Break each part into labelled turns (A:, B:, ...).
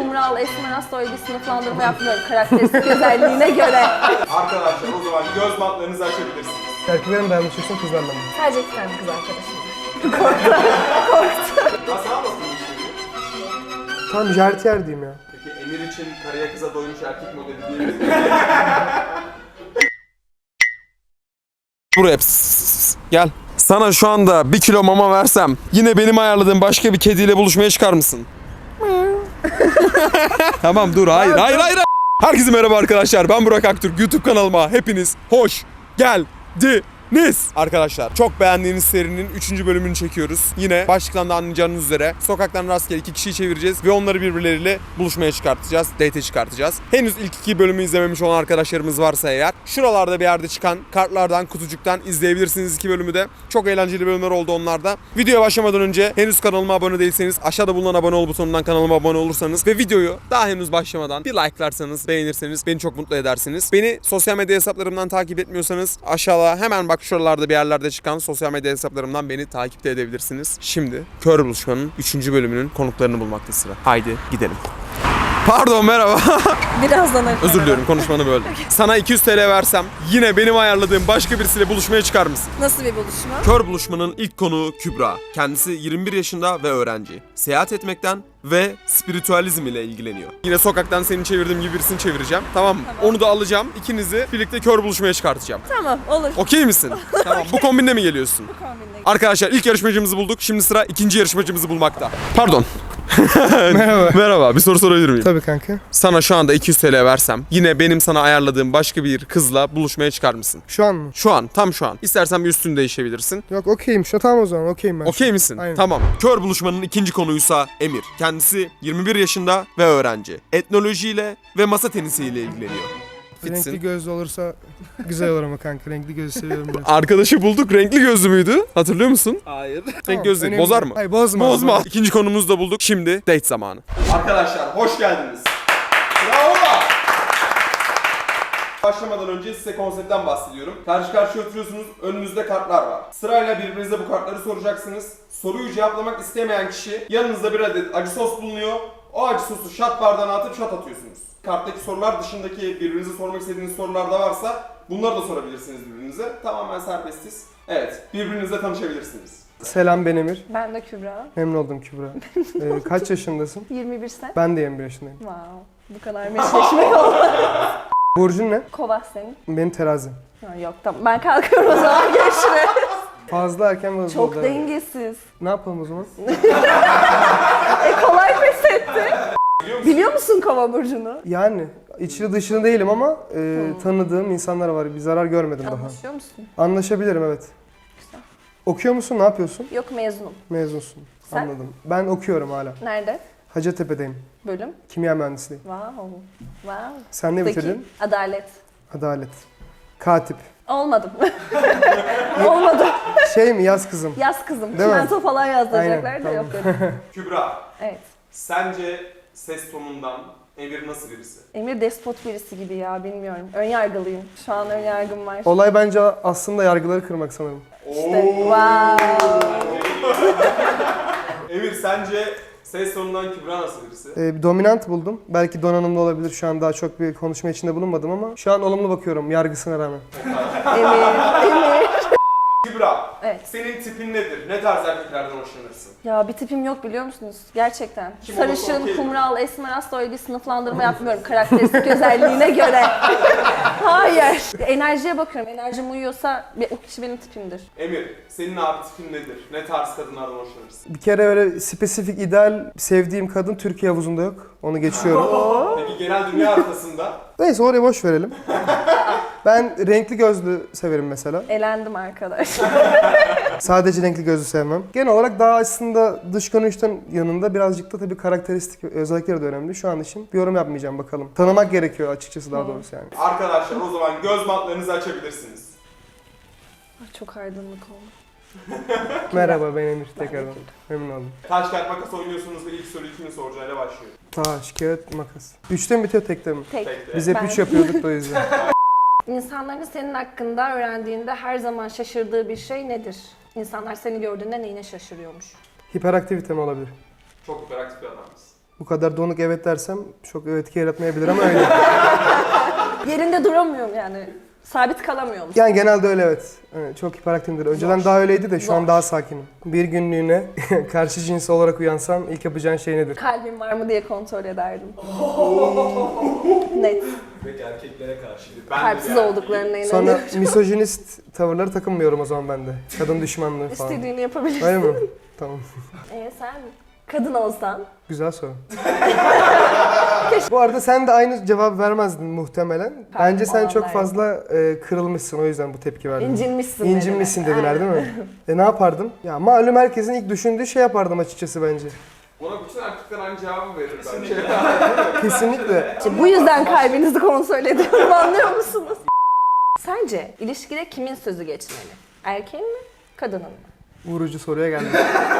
A: kumral, esmer, hasta öyle bir sınıflandırma yapmıyorum karakteristik özelliğine göre.
B: Arkadaşlar o zaman göz bantlarınızı açabilirsiniz.
C: Erkeklerin mi beğenmişsin kızlarla mı?
A: Sadece iki tane kız arkadaşım var. Korktu.
B: Nasıl anlatın işte?
C: Tamam jartiyer diyeyim ya.
B: Peki Emir için karıya kıza doymuş erkek modeli diyebilir miyiz? Buraya gel. Sana şu anda 1 kilo mama versem yine benim ayarladığım başka bir kediyle buluşmaya çıkar mısın? Tamam dur hayır. Herkese merhaba arkadaşlar, ben Burak Aktürk. YouTube kanalıma hepiniz hoş geldiniz. Arkadaşlar çok beğendiğiniz serinin 3. bölümünü çekiyoruz. Yine başlıktan da anlayacağınız üzere sokaktan rastgele 2 kişiyi çevireceğiz ve onları birbirleriyle buluşmaya çıkartacağız, date'e çıkartacağız. Henüz ilk 2 bölümü izlememiş olan arkadaşlarımız varsa eğer şuralarda bir yerde çıkan kartlardan, kutucuktan izleyebilirsiniz 2 bölümü de. Çok eğlenceli bölümler oldu onlarda. Videoya başlamadan önce henüz kanalıma abone değilseniz aşağıda bulunan abone ol butonundan kanalıma abone olursanız ve videoyu daha henüz başlamadan bir like'larsanız, beğenirseniz beni çok mutlu edersiniz. Beni sosyal medya hesaplarımdan takip etmiyorsanız aşağıda hemen bak şuralarda bir yerlerde çıkan sosyal medya hesaplarımdan beni takip de edebilirsiniz. Şimdi Kör Buluşma'nın 3. bölümünün konuklarını bulmakta sıra. Haydi gidelim. Pardon, merhaba.
A: Birazdan
B: Özür diliyorum, konuşmanı böldüm. Sana 200 TL versem yine benim ayarladığım başka birisiyle buluşmaya çıkar mısın?
A: Nasıl bir buluşma?
B: Kör Buluşma'nın ilk konuğu Kübra. Kendisi 21 yaşında ve öğrenci. Seyahat etmekten ve spiritüalizm ile ilgileniyor. Yine sokaktan senin çevirdiğim gibi birisini çevireceğim. Tamam mı?
A: Tamam.
B: Onu da alacağım. İkinizi birlikte kör buluşmaya çıkartacağım.
A: Tamam, olur.
B: Okey misin? Tamam. Bu kombinle mi geliyorsun?
A: Bu kombinle.
B: Arkadaşlar ilk yarışmacımızı bulduk. Şimdi sıra ikinci yarışmacımızı bulmakta. Pardon.
C: Merhaba.
B: Merhaba. Bir soru sorabilir miyim?
C: Tabii kanka.
B: Sana şu anda 200 TL versem yine benim sana ayarladığım başka bir kızla buluşmaya çıkar mısın?
C: Şu an mı?
B: Şu an, tam şu an. İstersen bir üstünü değişebilirsin.
C: Yok okeyim. Şu tamam o zaman okeyim ben.
B: Okey misin?
C: Aynen.
B: Tamam. Kör Buluşma'nın ikinci konuysa Emir. Kendisi 21 yaşında ve öğrenci. Etnolojiyle ve masa tenisiyle ilgileniyor.
C: Renkli
B: Fitsin.
C: gözlü olursa güzel olur ama kanka. Renkli gözü seviyorum biraz.
B: Arkadaşı bulduk. Renkli gözlü müydü? Hatırlıyor musun?
D: Hayır.
B: Renk gözlü.
C: önemli
B: Bozar
C: değil.
B: mı?
C: Hayır bozma.
B: Bozma. İkinci konumuzu da bulduk. Şimdi date zamanı. Arkadaşlar hoş geldiniz. Bravo. Başlamadan önce size konseptten bahsediyorum. Karşı karşıya oturuyorsunuz, önünüzde kartlar var. Sırayla birbirinize bu kartları soracaksınız. Soruyu cevaplamak istemeyen kişi, yanınızda bir adet acı sos bulunuyor. O acı sosu şat bardağına atıp şat atıyorsunuz. Karttaki sorular dışındaki birbirinize sormak istediğiniz sorular da varsa bunları da sorabilirsiniz birbirinize. Tamamen serbestiz. Evet, birbirinizle tanışabilirsiniz.
C: Selam ben Emir.
A: Ben de Kübra.
C: Memnun oldum Kübra. Kaç yaşındasın?
A: 21 sen.
C: Ben de 21 yaşındayım.
A: Wow. Bu kadar meşleşme oldu.
C: Burcun ne?
A: Kova senin.
C: Benim terazim.
A: Ha, yok tamam. Ben kalkıyorum o zaman. Görüşürüz.
C: Fazla erken ve hızlı
A: Çok
C: oldu.
A: dengesiz.
C: Ne yapalım o zaman?
A: Kolay pes etti. Biliyor musun Kova burcunu?
C: Yani içli dışlı değilim ama tanıdığım insanlar var. Bir zarar görmedim daha.
A: Anlaşıyor musun?
C: Anlaşabilirim evet.
A: Güzel.
C: Okuyor musun? Ne yapıyorsun?
A: Yok, mezunum.
C: Mezunsun.
A: Sen?
C: Anladım. Ben okuyorum hala.
A: Nerede?
C: Hacettepe'deyim.
A: Bölüm?
C: Kimya mühendisliği.
A: Wow. Wow.
C: Sen ne
A: Peki,
C: bitirdin?
A: adalet.
C: Adalet. Katip.
A: Olmadım. Olmadım.
C: Şey mi yaz kızım?
A: Yaz kızım.
C: Değil mi?
A: Çimento falan yazdıracaklar
C: Aynen,
A: da yok
C: tamam.
A: öyle.
B: Kübra,
A: Evet.
B: sence ses tonundan Emir nasıl birisi?
A: Emir despot birisi gibi ya, bilmiyorum. Ön yargılıyım. Şu an ön yargım var.
C: Olay bence aslında yargıları kırmak sanırım.
A: İşte wow.
B: Emir, sence ses tonundan Kübra nasıl birisi?
C: Bir dominant buldum. Belki donanımlı olabilir. Şu an daha çok bir konuşma içinde bulunmadım ama şu an olumlu bakıyorum yargısına rağmen.
A: Emir.
B: Kübra,
A: Evet.
B: senin tipin nedir? Ne tarz erkeklerden hoşlanırsın?
A: Ya bir tipim yok biliyor musunuz? Gerçekten.
B: Kim olursa
A: Sarışın,
B: okey.
A: kumral, esmer, hasta öyle bir sınıflandırma yapmıyorum karakteristik özelliğine göre. Hayır. Enerjiye bakıyorum. Enerjim uyuyorsa o kişi benim tipimdir.
B: Emir, senin abi tipin nedir? Ne tarz kadınlardan hoşlanırsın?
C: Bir kere öyle spesifik ideal sevdiğim kadın Türkiye havuzunda yok. Onu geçiyorum.
B: Peki genel dünya haritasında?
C: Neyse orayı boş verelim. Ben renkli gözlü severim mesela.
A: Elendim arkadaş.
C: Sadece renkli gözlü sevmem. Genel olarak daha aslında dış görünüşten yanında birazcık da tabii karakteristik özellikleri de önemli. Şu an için bir yorum yapmayacağım bakalım. Tanımak gerekiyor açıkçası daha doğrusu yani.
B: Arkadaşlar o zaman göz bantlarınızı açabilirsiniz.
A: Çok aydınlık oldu.
C: Merhaba ben Emir tekrardan. Memnun oldum.
B: Taş kağıt makas oynuyorsunuz ve ilk soruyu kimin soracağıyla başlıyor.
C: Taş, kağıt, makas. 3'te mi bitiyor tekte mi?
A: Tek.
B: Tekte.
C: Biz hep
A: Ben-
C: 3 yapıyorduk da o yüzden.
A: İnsanların senin hakkında öğrendiğinde her zaman şaşırdığı bir şey nedir? İnsanlar seni gördüğünde neyine şaşırıyormuş?
C: Hiperaktivite mi olabilir?
B: Çok hiperaktif bir adamsın.
C: Bu kadar donuk evet dersem çok etki yaratmayabilir ama öyle.
A: Yerinde duramıyorum yani. Sabit kalamıyorum.
C: Yani genelde öyle evet. Evet, çok hiperaktifimdir. Önceden daha öyleydi de şu an daha sakinim. Bir günlüğüne karşı cins olarak uyansam ilk yapacağın şey nedir?
A: Kalbim var mı diye kontrol ederdim. Net.
B: Peki erkeklere karşıydı.
A: Kalpsiz olduklarına inanıyorum.
C: Sonra misojinist tavırları takınmıyorum o zaman ben de. Kadın düşmanlığı falan.
A: İstediğini yapabilirsin.
C: Öyle mi? Tamam.
A: Sen kadın olsan?
C: Güzel soru. Bu arada sen de aynı cevap vermezdin muhtemelen. Bence sen çok
A: olanlar.
C: fazla kırılmışsın o yüzden bu tepki verdin.
A: İncinmişsin
C: İncinmişsin
A: dediler.
C: dediler değil mi? Ne yapardım? Ya malum herkesin ilk düşündüğü şey yapardım açıkçası bence.
B: Ona bütün erkekler aynı cevabı verir bence.
C: Kesinlikle.
A: İşte bu yüzden kalbinizi kontrol ediyorum, anlıyor musunuz? Sence ilişkide kimin sözü geçmeli? Erkeğin mi, kadının mı?
C: Vurucu soruya geldim.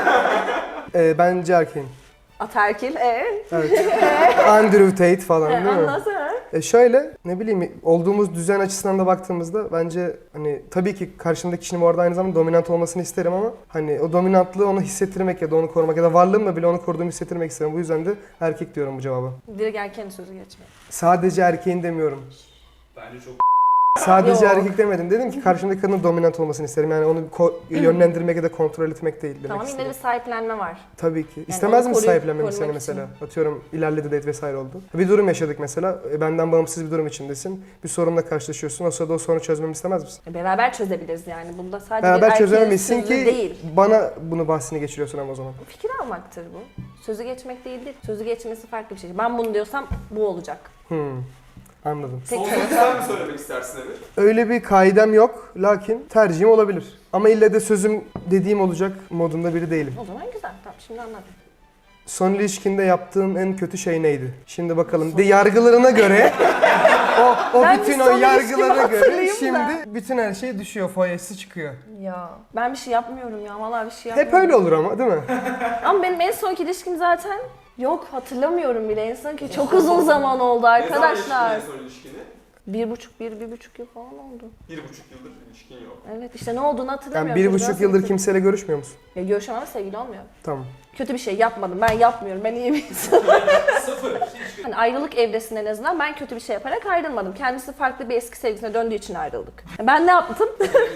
C: Bence erkeğin.
A: Ataerkil,
C: Evet. Andrew Tate falan değil mi?
A: Anlasana.
C: Şöyle ne bileyim olduğumuz düzen açısından da baktığımızda bence hani tabii ki karşımdaki kişinin bu arada aynı zamanda dominant olmasını isterim ama hani o dominantlığı onu hissettirmek ya da onu korumak ya da varlığımla bile onu koruduğumu hissettirmek isterim. Bu yüzden de erkek diyorum bu cevaba.
A: Direkt erkeğin sözü geçmeli.
C: Sadece erkeğin demiyorum.
B: Bence çok
C: Sadece
A: Yok.
C: erkek demedim. Dedim ki karşımdaki kadının dominant olmasını isterim. Yani onu yönlendirmek ya da kontrol etmek değil demek
A: Tamam, yine
C: istedim.
A: bir sahiplenme var.
C: Tabii ki.
A: onu
C: İstemez misin
A: korumak
C: sahiplenmemi seni
A: için.
C: mesela? Atıyorum ilerledi date vesaire oldu. Bir durum yaşadık mesela. Benden bağımsız bir durum içindesin. Bir sorunla karşılaşıyorsun. O sırada o sorunu çözmemi istemez misin?
A: Beraber çözebiliriz yani. Bunda sadece bir
C: Beraber
A: erkeğin
C: çözememelisin
A: sözü
C: ki
A: değil.
C: bana bunu bahsini geçiriyorsun ama o zaman.
A: Fikir almaktır bu. Sözü geçmek değildir. Sözü geçmesi farklı bir şey. Ben bunu diyorsam bu olacak.
C: Anladım.
A: Tek
B: Son
A: tarafı-
B: sözü sen mi söylemek istersin Emir?
C: Öyle bir kaidem yok. Lakin tercihim olabilir. Ama ille de sözüm dediğim olacak modunda biri değilim.
A: O zaman güzel. Tamam, şimdi anladım.
C: Son ilişkinde yaptığın en kötü şey neydi? Şimdi bakalım. De yargılarına göre o
A: Ben
C: bütün
A: bir
C: o
A: son ilişkimi
C: yargılara göre
A: hatırlayayım da.
C: şimdi bütün her şey düşüyor. Foyası çıkıyor.
A: Ya ben bir şey yapmıyorum ya. Vallahi bir şey
C: Hep
A: yapmıyorum.
C: öyle olur ama değil mi?
A: Ama benim en sonki ilişkim zaten yok, hatırlamıyorum bile en sonki. Çok uzun zaman oldu
B: Ne
A: arkadaşlar.
B: zaman yaşadın en son ilişkini?
A: 1,5 yıl falan oldu.
B: 1,5 yıldır ilişkin yok.
A: Evet, işte ne olduğunu
C: Yani
A: hatırlamıyorum.
C: 1,5
A: Nasıl
C: yıldır
A: bitti?
C: kimseyle görüşmüyor musun?
A: Ya görüşemem ama sevgili olmuyor.
C: Tamam.
A: Kötü bir şey yapmadım. Ben yapmıyorum. Ben iyi bir insanım.
B: Sıfır.
A: Hani ayrılık evresinde en azından ben kötü bir şey yaparak ayrılmadım. Kendisi farklı bir eski sevgilisine döndüğü için ayrıldık. Ben ne yaptım?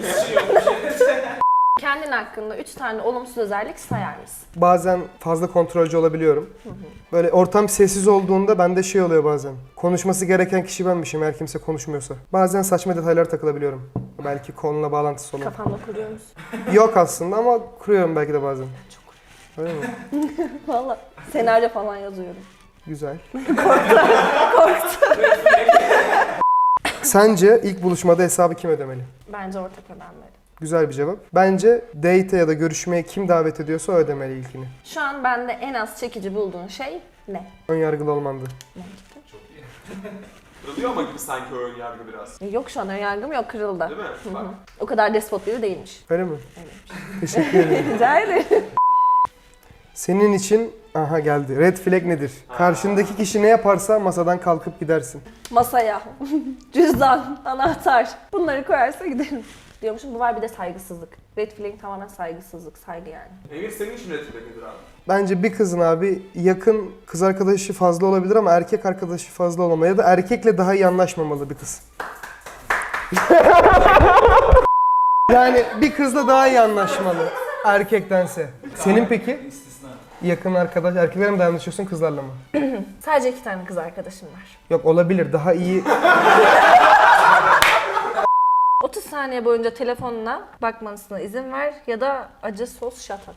A: Kendin hakkında 3 tane olumsuz özellik sayar mısın?
C: Bazen fazla kontrolcü olabiliyorum. Böyle ortam sessiz olduğunda bende şey oluyor bazen. Konuşması gereken kişi benmişim eğer kimse konuşmuyorsa. Bazen saçma detaylara takılabiliyorum. Belki konuyla bağlantısı olan.
A: Kafamda kuruyor musun?
C: Yok aslında ama kuruyorum belki de bazen. Öyle mi?
A: Valla senaryo falan yazıyorum.
C: Güzel. Sence ilk buluşmada hesabı kim ödemeli?
A: Bence ortak ödenmeli.
C: Güzel bir cevap. Bence date'e ya da görüşmeye kim davet ediyorsa o ödemeli ilkini.
A: Şu an bende en az çekici bulduğun şey ne?
C: Önyargılı olmandı.
B: Kırılıyor ama gibi sanki o ön yargı biraz.
A: Yok, şu an önyargım yok, kırıldı.
B: Değil mi? Bak.
A: O kadar despot biri değilmiş.
C: Öyle mi? Teşekkür ederim.
A: Rica ederim.
C: Senin için aha geldi. Red flag nedir? Karşındaki kişi ne yaparsa masadan kalkıp gidersin.
A: Masaya, cüzdan, anahtar bunları koyarsa giderim. Diyormuşum, bu var bir de saygısızlık. Red flag tamamen saygısızlık, saygı yani.
B: Emir senin için red flag nedir abi?
C: Bence bir kızın abi yakın kız arkadaşı fazla olabilir ama erkek arkadaşı fazla olamamalı ya da erkekle daha iyi anlaşmamalı bir kız. Yani bir kızla daha iyi anlaşmalı erkektense. Senin peki? Yakın arkadaş, erkeklerle mi daha anlaşıyorsun kızlarla mı?
A: Sadece 2 tane kız arkadaşım var.
C: Yok olabilir daha iyi.
A: 30 saniye boyunca telefonuna bakmasına izin ver ya da acı sos şat at.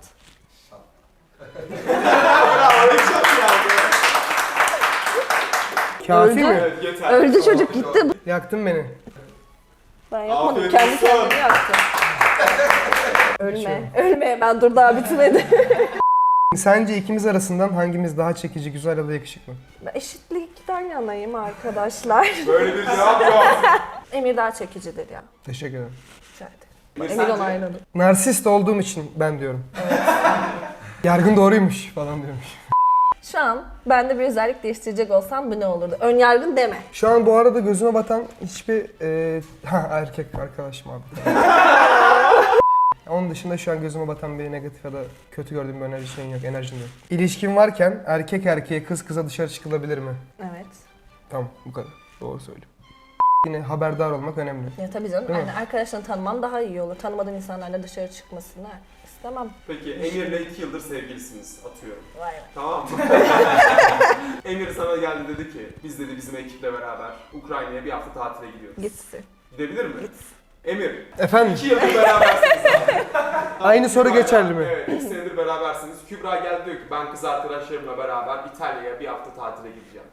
C: Kafi
A: Öldü.
C: mi?
B: Evet yeter.
A: Öldü çocuk, gitti.
C: Yaktın beni.
A: Ben yapmadım,
B: Aferin
A: kendi
B: olsun.
A: kendini yaktı. Ölme, ölme, ben dur daha bitmedi.
C: Sence ikimiz arasından hangimiz daha çekici, güzel ya da yakışıklı?
A: Ben eşitlikten yanayım arkadaşlar.
B: Böyle bir cevap yok.
A: Emir daha çekicidir ya.
C: Teşekkür ederim.
A: Rica ederim.
B: Emir
A: Emir
B: sence?
A: onayladı.
C: Narsist olduğum için ben diyorum. Yargın doğruymuş falan diyormuş.
A: Şu an bende bir özellik değiştirecek olsam bu ne olurdu? Ön yargın deme.
C: Şu an bu arada gözüme batan hiçbir erkek arkadaşım abi. Onun dışında şu an gözüme batan bir negatif ya da kötü gördüğüm bir enerji şeyin yok, enerjim yok. İlişkin varken erkek erkeğe kız kıza dışarı çıkılabilir mi?
A: Evet.
C: Tamam, bu kadar. Doğru söylüyorum. Yine haberdar olmak önemli.
A: Ya tabii canım.
C: Değil mi?
A: Yani arkadaşlarını tanıman daha iyi olur. Tanımadığın insanlarla dışarı çıkmasını istemem.
B: Peki Emir'le 2 yıldır sevgilisiniz atıyorum.
A: Vay be.
B: Tamam mı? Emir sana geldi dedi ki biz dedi bizim ekiple beraber Ukrayna'ya bir hafta tatile gidiyoruz.
A: Gitsin.
B: Gidebilir mi?
A: Gitsin.
B: Emir,
C: Efendim,
B: 2 yıldır berabersiniz abi.
C: aynı soru geçerli mi?
B: Evet, 2 senedir berabersiniz. Kübra geldi diyor ki ben kız arkadaşlarımla beraber İtalya'ya bir hafta tatile gideceğim.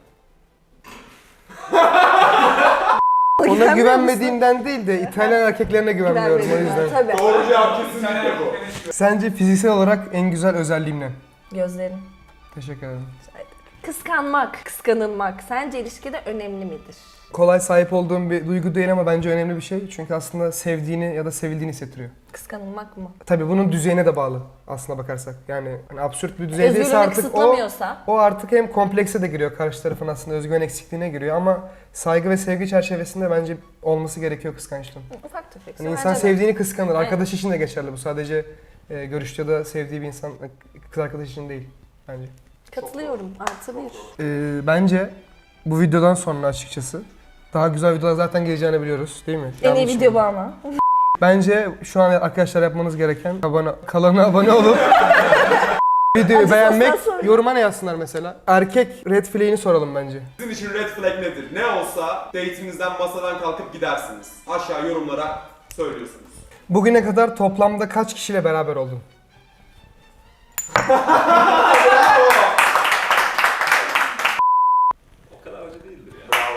C: Ona güvenmediğimden değil de İtalyan erkeklerine güvenmiyorum o yüzden.
A: Tabii.
B: Doğru cevap kesinlikle bu.
C: Sence fiziksel olarak en güzel özelliğim ne?
A: Gözlerin.
C: Teşekkür ederim.
A: Kıskanmak, kıskanılmak sence ilişkide önemli midir?
C: Kolay sahip olduğum bir duygu değil ama bence önemli bir şey. Çünkü aslında sevdiğini ya da sevildiğini hissettiriyor.
A: Kıskanılmak mı?
C: Tabii bunun düzeyine de bağlı aslına bakarsak. Yani hani absürt bir düzeydeyse
A: Özgürlüğünü
C: artık
A: kısıtlamıyorsa.
C: o artık hem komplekse de giriyor. Karşı tarafın aslında özgüven eksikliğine giriyor ama saygı ve sevgi çerçevesinde bence olması gerekiyor kıskançlığın.
A: Ufak tefek.
C: Yani insan
A: Bence de.
C: sevdiğini kıskanır.
A: Aynen.
C: Arkadaş için de geçerli bu. Sadece görüşte ya da sevdiği bir insan kız arkadaş için değil bence.
A: Katılıyorum. Artı bir.
C: Bence bu videodan sonra açıkçası daha güzel videolar zaten geleceğini biliyoruz değil mi?
A: En iyi
C: Yanlış
A: video
C: mı?
A: bu ama.
C: Bence şu an arkadaşlar yapmanız gereken kanala abone olup videoyu
A: Acı
C: beğenmek,
A: sostan sonra.
C: yoruma ne yazsınlar mesela? Erkek red flag'ini soralım bence.
B: Sizin için red flag nedir? Ne olsa date'inizden masadan kalkıp gidersiniz. Aşağı yorumlara söylüyorsunuz.
C: Bugüne kadar toplamda kaç kişiyle beraber oldun?
B: O kadar acı değildir ya. Bravo.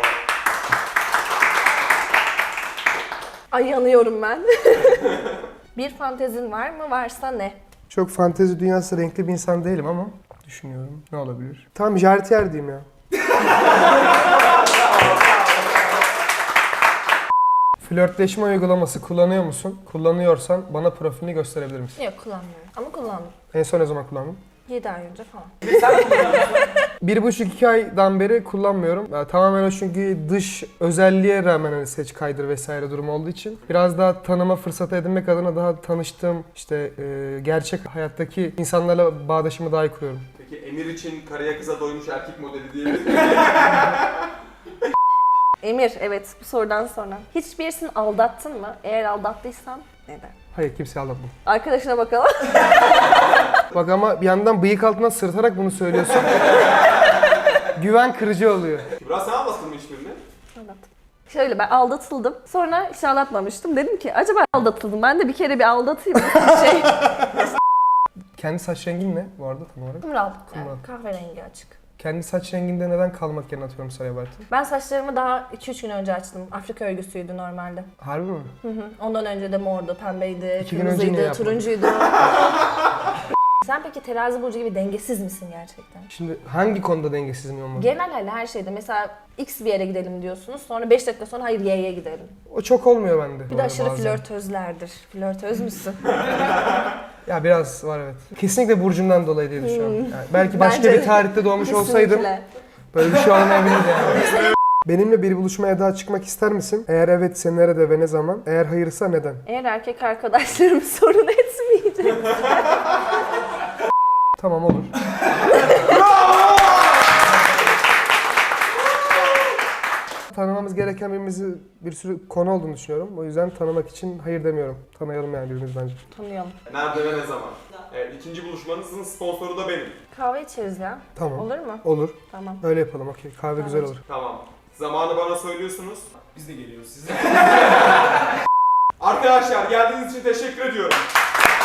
A: Ay yanıyorum ben. Bir fantezin var mı? Varsa ne?
C: Çok fantezi dünyası renkli bir insan değilim ama düşünüyorum ne olabilir? Tamam, jartiyer diyeyim ya. Flörtleşme uygulaması kullanıyor musun? Kullanıyorsan bana profilini gösterebilir misin?
A: Yok kullanmıyorum. Ama kullandım.
C: En son ne zaman kullandın?
A: 7 ay önce falan.
C: 1,5-2 aydan beri kullanmıyorum. Tamamen o çünkü dış özelliğe rağmen hani seç kaydır vesaire durum olduğu için. Biraz daha tanıma fırsatı edinmek adına daha tanıştığım işte gerçek hayattaki insanlarla bağdaşımı daha iyi kuruyorum.
B: Peki Emir için karıya kıza doymuş erkek modeli diyebilir miyim?
A: Emir, evet bu sorudan sonra. Hiç birisini aldattın mı? Eğer aldattıysan neden?
C: Hayır, kimseyi aldatmam.
A: Arkadaşına bakalım.
C: Bak ama bir yandan bıyık altından sırıtarak bunu söylüyorsun. Güven kırıcı oluyor.
B: Kübra sen aldattın mı hiçbirini?
A: Aldattım. Şöyle ben aldatıldım. Sonra hiç aldatmamıştım. Dedim ki acaba aldatıldım. Ben de bir kere bir aldatayım. Şey.
C: Kendi saç rengin ne bu arada tam olarak?
A: Kumral.
C: Kumral.
A: Yani kahverengi açık.
C: Kendi saç renginde neden kalmak yerine atıyorum sarıya Bartın?
A: Ben saçlarımı daha 2-3 gün önce açtım. Afrika örgüsüydü normalde.
C: Harbi mi?
A: Hı hı. Ondan önce de mordu, pembeydi,
C: 2 gün önce niye
A: kırmızıydı,
C: yapmadın?
A: turuncuydu. Sen peki terazi burcu gibi dengesiz misin gerçekten?
C: Şimdi hangi konuda dengesizim olmalı?
A: Genel hali her şeyde. Mesela X bir yere gidelim diyorsunuz. Sonra 5 dakika sonra hayır Y'ye gidelim.
C: O çok olmuyor bende.
A: Bir de aşırı
C: bazen.
A: flörtözlerdir. Flörtöz müsün?
C: Ya biraz var evet. Kesinlikle burcumdan dolayı diye düşünüyorum. Yani belki başka
A: Bence
C: bir tarihte doğmuş olsaydım
A: Kesinlikle.
C: böyle bir şey olmayabilirdi yani. Benimle bir buluşmaya daha çıkmak ister misin? Eğer evet, nerede ve ne zaman? Eğer hayırsa neden?
A: Eğer erkek arkadaşlarım sorun etmeyecek.
C: Tamam, olur. Tanımamız gereken bir sürü konu olduğunu düşünüyorum. O yüzden tanımak için hayır demiyorum. Tanıyalım yani birbirimizi bence.
A: Tanıyalım.
B: Nerede ve ne zaman? Evet, ikinci buluşmanızın sponsoru da benim.
A: Kahve içeriz ya.
C: Tamam.
A: Olur mu?
C: Olur.
A: Tamam.
C: Öyle yapalım. Okey. Kahve güzel olur.
B: Tamam. Zamanı bana söylüyorsunuz. Biz de geliyoruz size. Arkadaşlar geldiğiniz için teşekkür ediyorum.